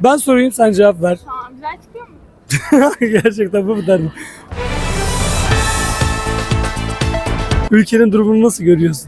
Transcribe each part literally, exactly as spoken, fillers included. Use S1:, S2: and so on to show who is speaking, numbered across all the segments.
S1: Ben sorayım, sen cevap ver.
S2: Tamam, güzel çıkıyor mu?
S1: Gerçekten bu kadar mı? Ülkenin durumunu nasıl görüyorsun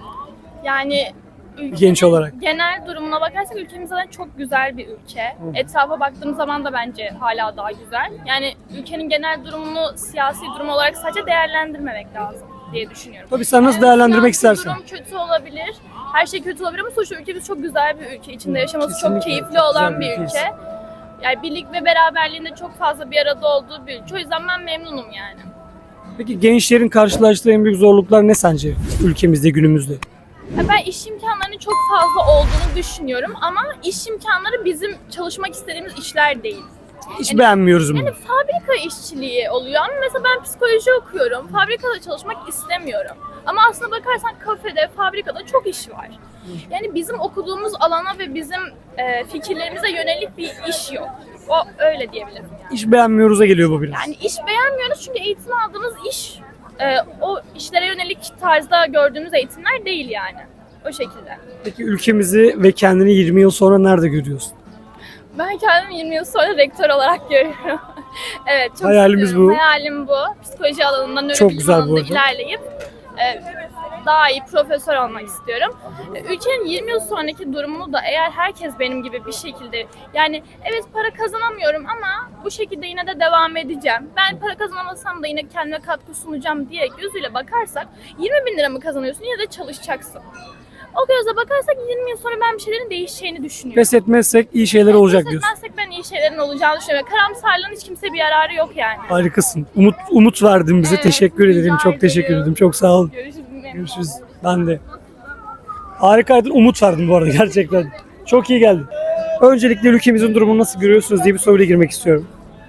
S2: Yani ülkenin
S1: genç olarak?
S2: genel durumuna bakarsak ülkemiz zaten çok güzel bir ülke. Etrafa baktığımız zaman da bence hala daha güzel. Yani ülkenin genel durumunu siyasi durum olarak sadece değerlendirmemek lazım diye düşünüyorum.
S1: Tabii sen nasıl
S2: Evet,
S1: değerlendirmek
S2: siyasi
S1: istersen.
S2: durum kötü olabilir. Her şey kötü olabilir ama sonuçta ülkemiz çok güzel bir ülke. İçinde yaşaması
S1: Kesinlikle.
S2: çok keyifli
S1: Çok
S2: olan
S1: güzel
S2: bir
S1: bir
S2: ülke.
S1: ülkeyiz.
S2: Yani birlik ve beraberliğinde çok fazla bir arada olduğu bir ülke. O yüzden ben memnunum yani.
S1: Peki gençlerin karşılaştığı en büyük zorluklar ne sence ülkemizde, günümüzde?
S2: Ya ben iş imkanlarının çok fazla olduğunu düşünüyorum ama iş imkanları bizim çalışmak istediğimiz işler değil.
S1: Hiç
S2: Yani-
S1: beğenmiyoruz bunu.
S2: Yani fabrika işçiliği oluyor ama mesela ben psikoloji okuyorum. Fabrikada çalışmak istemiyorum. Ama aslında bakarsan kafede, fabrikada çok iş var. Yani bizim okuduğumuz alana ve bizim e, fikirlerimize yönelik bir iş yok. O öyle diyebilirim yani.
S1: Hiç beğenmiyoruz'a geliyor bu biraz.
S2: Yani iş beğenmiyoruz çünkü eğitim aldığımız iş e, o işlere yönelik tarzda gördüğümüz eğitimler değil yani. O şekilde.
S1: Peki ülkemizi ve kendini yirmi yıl sonra nerede görüyorsun?
S2: Ben kendimi yirmi yıl sonra rektör olarak görüyorum. Evet, çok
S1: Hayalimiz
S2: istiyorum.
S1: bu.
S2: Hayalim bu. Psikoloji alanında,
S1: Çok
S2: nörobilim
S1: güzel bu
S2: alanında
S1: arada.
S2: ilerleyip e, daha iyi profesör olmak istiyorum. E, Ülkenin yirmi yıl sonraki durumunu da eğer herkes benim gibi bir şekilde, yani evet para kazanamıyorum ama bu şekilde yine de devam edeceğim. Ben para kazanamasam da yine kendime katkı sunacağım diye gözüyle bakarsak yirmi bin lira mı kazanıyorsun, yine de çalışacaksın. O gözle bakarsak yirmi yıl sonra ben bir şeylerin değişeceğini düşünüyorum.
S1: Pes etmezsek iyi şeyler olacak
S2: Pes
S1: diyorsun.
S2: etmezsek ben iyi şeylerin olacağını düşünüyorum. Karamsarlığın hiç kimseye bir yararı yok yani.
S1: Harikasın. Umut umut verdin bize.
S2: Evet,
S1: Teşekkür
S2: rica
S1: ederim. Çok teşekkür
S2: ederim.
S1: ederim. Çok sağ ol.
S2: Görüşürüz.
S1: Görüşürüz. Ben de. Harikaydın. Umut verdin bu arada gerçekten. Çok iyi geldi. Öncelikle ülkemizin durumunu nasıl görüyorsunuz diye bir soruyla girmek istiyorum.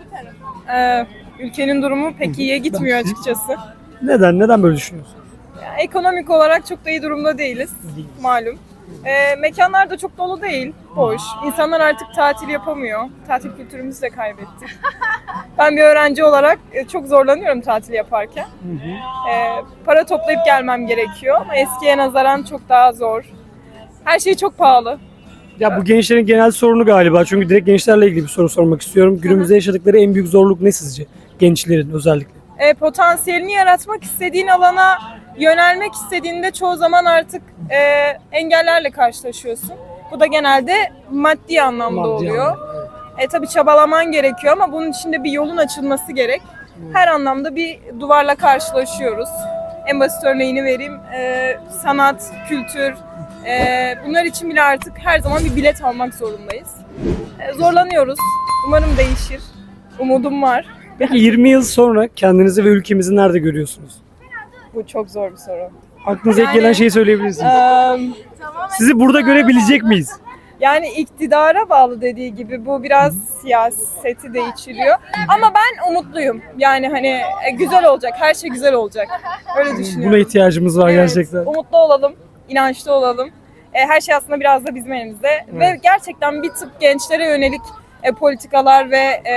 S3: Ee, ülkenin durumu pek iyiye gitmiyor açıkçası.
S1: Neden? Neden böyle düşünüyorsun?
S3: Yani ekonomik olarak çok da iyi durumda değiliz malum. Ee, mekanlar da çok dolu değil, boş. İnsanlar artık tatil yapamıyor. Tatil kültürümüzü de kaybettik. Ben bir öğrenci olarak e, çok zorlanıyorum tatil yaparken. Ee, para toplayıp gelmem gerekiyor ama eskiye nazaran çok daha zor. Her şey çok pahalı.
S1: Ya bu gençlerin genel sorunu galiba. Çünkü direkt gençlerle ilgili bir soru sormak istiyorum. Günümüzde yaşadıkları en büyük zorluk ne sizce? Gençlerin özellikle.
S3: E, potansiyelini yaratmak istediğin alana yönelmek istediğinde çoğu zaman artık e, engellerle karşılaşıyorsun. Bu da genelde maddi anlamda
S1: Maddi
S3: oluyor.
S1: anlamda,
S3: E, tabii çabalaman gerekiyor ama bunun için de bir yolun açılması gerek. Her anlamda bir duvarla karşılaşıyoruz. En basit örneğini vereyim. E, sanat, kültür, e, bunlar için bile artık her zaman bir bilet almak zorundayız. E, zorlanıyoruz. Umarım değişir. Umudum var.
S1: Peki yirmi yıl sonra kendinizi ve ülkemizi nerede görüyorsunuz?
S3: Bu çok zor bir soru.
S1: Aklınıza ilk
S3: Yani-
S1: gelen şeyi söyleyebilirsiniz.
S3: Eee,
S1: Sizi burada görebilecek miyiz?
S3: Yani iktidara bağlı dediği gibi bu biraz siyaseti de içeriyor. Ama ben umutluyum. Yani hani e, güzel olacak, her şey güzel olacak. Öyle düşünüyorum.
S1: Buna ihtiyacımız var
S3: Evet,
S1: gerçekten.
S3: umutlu olalım, inançlı olalım. E, her şey aslında biraz da bizim elimizde. Ve gerçekten bir tık gençlere yönelik e, politikalar ve e,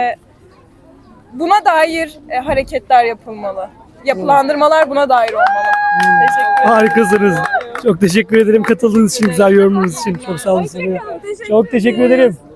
S3: buna dair e, hareketler yapılmalı. Yapılandırmalar buna dair olmalı. Teşekkür ederim.
S1: Harikasınız. Çok teşekkür ederim katıldığınız için, güzel yorumunuz için. Çok sağ olun. Çok teşekkür ederim.